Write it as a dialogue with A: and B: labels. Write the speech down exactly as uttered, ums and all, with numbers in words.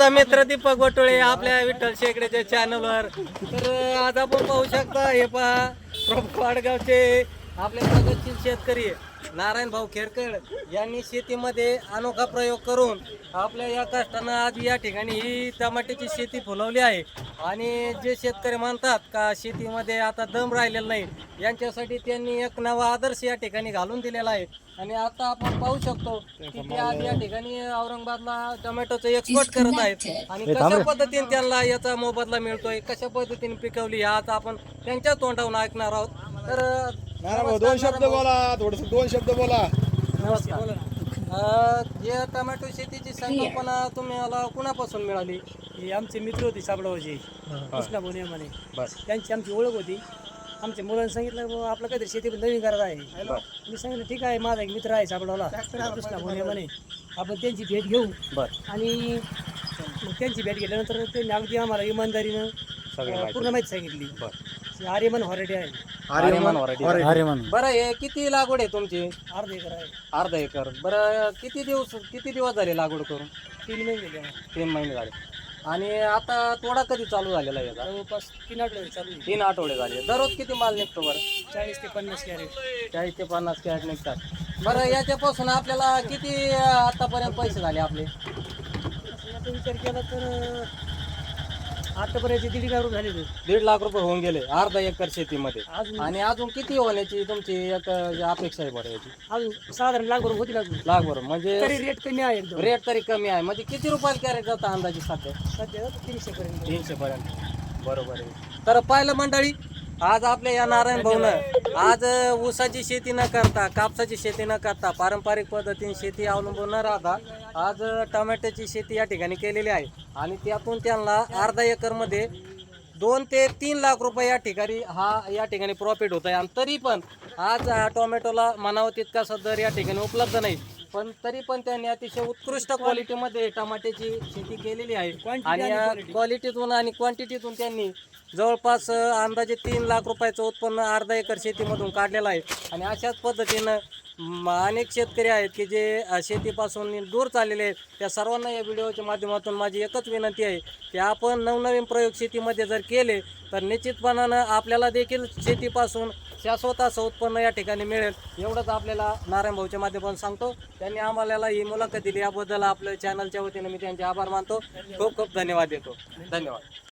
A: तुमचा मित्र दीपक गोटोळे आपल्या विठ्ठल शेकड्याच्या चॅनलवर. तर आज आपण पाहू शकता हे पहा प्रमुख वाडगावचे आपले प्रगतशील शेतकरी नारायण भाऊ खेरकर यांनी शेतीमध्ये अनोखा प्रयोग करून आपल्या या कष्टानं आज या ठिकाणी ही टमाट्याची शेती फुलवली आहे. आणि जे शेतकरी म्हणतात का शेतीमध्ये आता दम राहिलेला नाही, यांच्यासाठी त्यांनी एक नवा आदर्श या ठिकाणी घालून दिलेला आहे. आणि आता आपण पाहू शकतो की ते आज या ठिकाणी औरंगाबादला टोमॅटोचं एक्सपोर्ट करत आहेत. आणि कशा पद्धतीने त्यांना याचा मोबदला मिळतोय, कशा पद्धतीने पिकवली आज आपण त्यांच्या तोंडावरून ऐकणार आहोत. तर
B: नारायण दोन शब्द बोला, थोडस दोन शब्द बोला.
A: नमस्कार. अ, जे टोमॅटो शेतीची संकल्पना तुम्हाला कुणापासून मिळाली?
C: ही आमचे मित्र होते साबळावचे कृष्णा बोने म्हणे, त्यांची आमची ओळख होती. आमच्या मुलांनी सांगितलं बाबा आपलं काहीतरी शेती नवीन करत आहे. मी सांगितलं ठीक आहे, माझा एक मित्र आहे साबळावला कृष्णा बोने म्हणे, आपण त्यांची भेट घेऊ. आणि मग त्यांची भेट घेतल्यानंतर त्यांनी अगदी आम्हाला इमानदारीनं पूर्ण माहिती सांगितली. आर्यमन व्हरायटी आहे.
A: आर्यमन व्हरायटी. बरं, हे किती लागवड आहे तुमची?
C: अर्धा एकर आहे.
A: अर्धा एकर. बरं, किती दिवस किती दिवस झाले लागवड करून?
C: तीन महिने झाले.
A: तीन महिने झाले. आणि आता तोडा कधी चालू झालेला आहे?
C: जवळपास तीन आठवडे चालू आहे.
A: तीन आठवडे झाले. दररोज किती माल निघतो बरं?
C: चाळीस ते पन्नास कॅरेट.
A: चाळीस ते पन्नास कॅरेट निघतात. बरं, याच्यापासून आपल्याला किती आतापर्यंत पैसे झाले आपले?
C: आता विचार केला तर आतापर्यंत दीड लाख रुपये झाले.
A: दीड लाख रुपये होऊन गेले अर्धा एकर शेतीमध्ये.
C: अजून
A: आणि अजून किती होण्याची तुमची एक अपेक्षा आहे बरं याची?
C: अजून साधारण लाख रुपये होती लागली.
A: लाख बरं म्हणजे
C: तरी रेट कमी आहे एकदम.
A: रेट तरी कमी आहे. म्हणजे किती रुपयाला कॅरेट जातं अंदाजे सध्या?
C: सध्या तीनशे पर्यंत.
A: तीनशे पर्यंत. बरोबर आहे. तर पाहिलं मंडळी, आज आपल्या या नारायण भाऊनं आज ऊसाची शेती न करता, कापसाची शेती न करता, पारंपरिक पद्धतीने शेती अवलंबून न राहता आज टोमॅटोची शेती या ठिकाणी केलेली आहे. आणि त्यातून त्यांना अर्धा एकरमध्ये दोन ते तीन लाख रुपये या ठिकाणी हा या ठिकाणी प्रॉफिट होत आहे. आणि तरी पण आज टोमॅटोला म्हणावं तितकासा दर या ठिकाणी उपलब्ध नाही, पण तरी पण त्यांनी अतिशय उत्कृष्ट क्वालिटीमध्ये टमाट्याची शेती केलेली आहे. आणि या क्वालिटीतून आणि क्वांटिटीतून त्यांनी जवळपास अंदाजे तीन लाख रुपयाचं उत्पन्न अर्धा एकर शेतीमधून काढलेलं आहे. आणि अशाच पद्धतीनं अनेक शेतकरी आहेत की जे शेतीपासून दूर चाललेले आहेत. त्या सर्वांना या व्हिडिओच्या माध्यमातून माझी एकच विनंती आहे की आपण नवनवीन प्रयोग शेतीमध्ये जर केले तर निश्चितपणानं आपल्याला देखील शेतीपासून शाश्वत असं उत्पन्न या ठिकाणी मिळेल. एवढंच आपल्याला नारायण भाऊच्या माध्यमातून सांगतो. त्यांनी आम्हाला ही मुलाखत दिली याबद्दल आपल्या चॅनलच्या वतीनं मी त्यांचे आभार मानतो. खूप खूप धन्यवाद देतो. धन्यवाद.